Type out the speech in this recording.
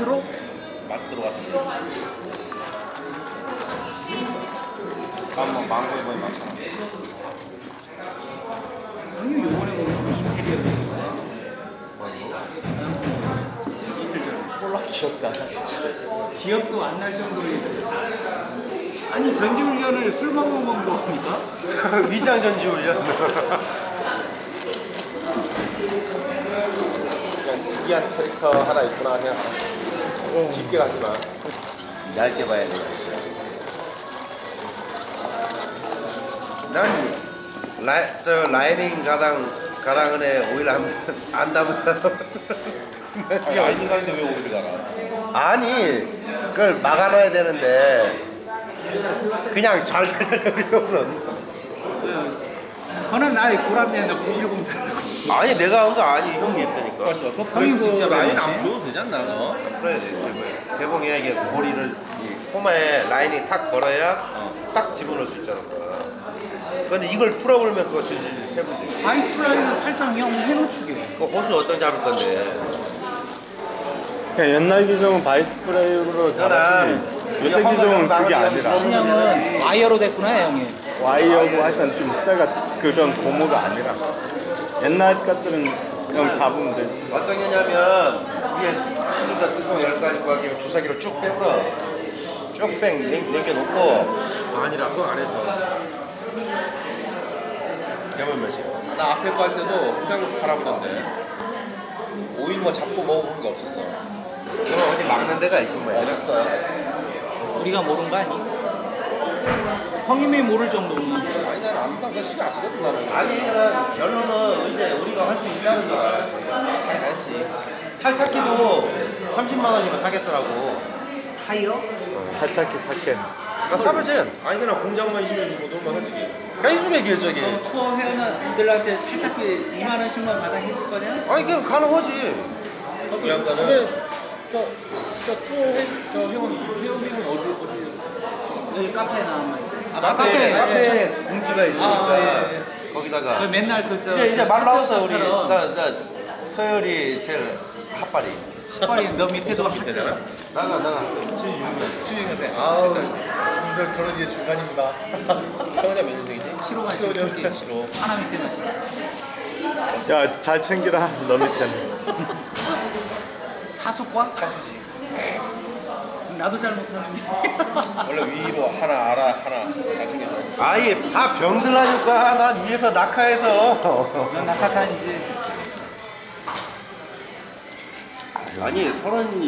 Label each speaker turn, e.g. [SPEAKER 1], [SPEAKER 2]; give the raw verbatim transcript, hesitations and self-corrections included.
[SPEAKER 1] 마크로?
[SPEAKER 2] 마크로 같은 거. 잠깐만 망고에 거의 많잖아.
[SPEAKER 1] 형님 요번에 뭐 임페리얼 줬어요?
[SPEAKER 3] 콜라 귀엽다.
[SPEAKER 1] 기억도 안 날 정도의. 아니 전지훈련을 술 먹으면 뭐합니까?
[SPEAKER 3] 위장 전지 훈련.
[SPEAKER 2] 그냥 특이한 캐릭터 하나 있구나 그냥 깊게 가지 마.
[SPEAKER 3] 얇게 봐야 돼. 난 라, 저 라이닝 가당 가랑은에 오일 안, 안 담은 사람.
[SPEAKER 2] 아니 아이디 가는데 왜 오기를 가라?
[SPEAKER 3] 아니 그걸 막아놔야 되는데 그냥 잘 살려면
[SPEAKER 1] 그는 나의 고란내는 부실공사라고.
[SPEAKER 3] 아니 내가 한 거 아니 형이 했다니까.
[SPEAKER 2] 벌써 그
[SPEAKER 1] 형님 직접
[SPEAKER 2] 라인
[SPEAKER 1] 해야지.
[SPEAKER 2] 안 보여도 되지 않나 너?
[SPEAKER 3] 그래야 돼. 개봉해야 이게 고리를 이 코마에 라인이 탁 걸어야
[SPEAKER 2] 어.
[SPEAKER 3] 딱 집어넣을 수 있잖아. 근데 이걸 풀어버리면 그거 질질 세면 돼.
[SPEAKER 1] 아이스 플라이는 살짝 형 해놓추게.
[SPEAKER 3] 그 호수 어떤 잡을 건데?
[SPEAKER 4] 그냥 옛날 기종은 바이스 프레임으로 잡았지. 요새 기종은 그게 아니라
[SPEAKER 1] 신형은 와이어로 됐구나 형이.
[SPEAKER 4] 와이어고 하여튼 좀 세가 그런 고무가 아니라 옛날 것들은 그냥 잡으면 돼.
[SPEAKER 3] 어떤 게냐면 위에 실린더 뚜껑 열까지 꽉 주사기로 쭉 빼버려. 쭉 뺑, 남겨놓고
[SPEAKER 2] 아니라 그거 안 해서.
[SPEAKER 3] 개물 몇이야?
[SPEAKER 2] 나 앞에 거 할 때도 그냥 갈아보던데. 오일 뭐 잡고 먹어본 게 없었어.
[SPEAKER 3] 그럼 어디 막는 데가 있어 뭐야?
[SPEAKER 2] 어딨어?
[SPEAKER 1] 우리가 모르는 거 아니? 형님이 모를 정도면.
[SPEAKER 2] 아니 나는 안 봐. 그 시간 아시거든 나는.
[SPEAKER 3] 아니 결론은 이제 우리가 할 수 있다는 거야.
[SPEAKER 2] 당연하지.
[SPEAKER 3] 탈착기도 삼십만 원이면 사겠더라고.
[SPEAKER 1] 타이어?
[SPEAKER 4] 살짝히 삭게.
[SPEAKER 3] 나 사면 돼.
[SPEAKER 2] 아니 그냥 공장만 있으면 뭐 놀만 하지.
[SPEAKER 3] 해주면 길 저기.
[SPEAKER 1] 어, 투어 회원들한테 탈착비 이만 원씩만 마당 해줄 거냐?
[SPEAKER 3] 아니 그냥 가능하지.
[SPEAKER 2] 그 양반은
[SPEAKER 1] 저, 저 투어 회, 저 회원, 회원님은 어디, 어디? 여기 카페에 나온 거 있어요. 아,
[SPEAKER 3] 카페에
[SPEAKER 1] 카페에,
[SPEAKER 3] 카페에 공기가 있으니까
[SPEAKER 1] 아, 예, 예.
[SPEAKER 3] 거기다가
[SPEAKER 1] 그 맨날 그, 저.
[SPEAKER 3] 이제 이제 말 나왔어 우리.
[SPEAKER 1] 처럼
[SPEAKER 3] 나 나 서열이 제일 핫발이.
[SPEAKER 1] 핫발이 너 밑에도
[SPEAKER 2] 밑에잖아.
[SPEAKER 3] 나가 나가. 칠십육 년.
[SPEAKER 2] 아우.
[SPEAKER 4] 저 저런 게 중간입니다.
[SPEAKER 2] 태원이가 몇 년생이지?
[SPEAKER 1] 칠호가 있어.
[SPEAKER 2] 칠호.
[SPEAKER 1] 하나 밑에만 있어.
[SPEAKER 4] 야, 잘 챙기라. 너 밑에는.
[SPEAKER 1] 사수과?
[SPEAKER 2] 사수지.
[SPEAKER 1] 나도 잘 못하는데.
[SPEAKER 2] 원래 위로 하나 아라 하나 잘 챙겨줘.
[SPEAKER 3] 아예 다 병들 하니까 난 위에서 낙하해서.
[SPEAKER 1] 넌 낙하산이지.
[SPEAKER 3] 아니 서른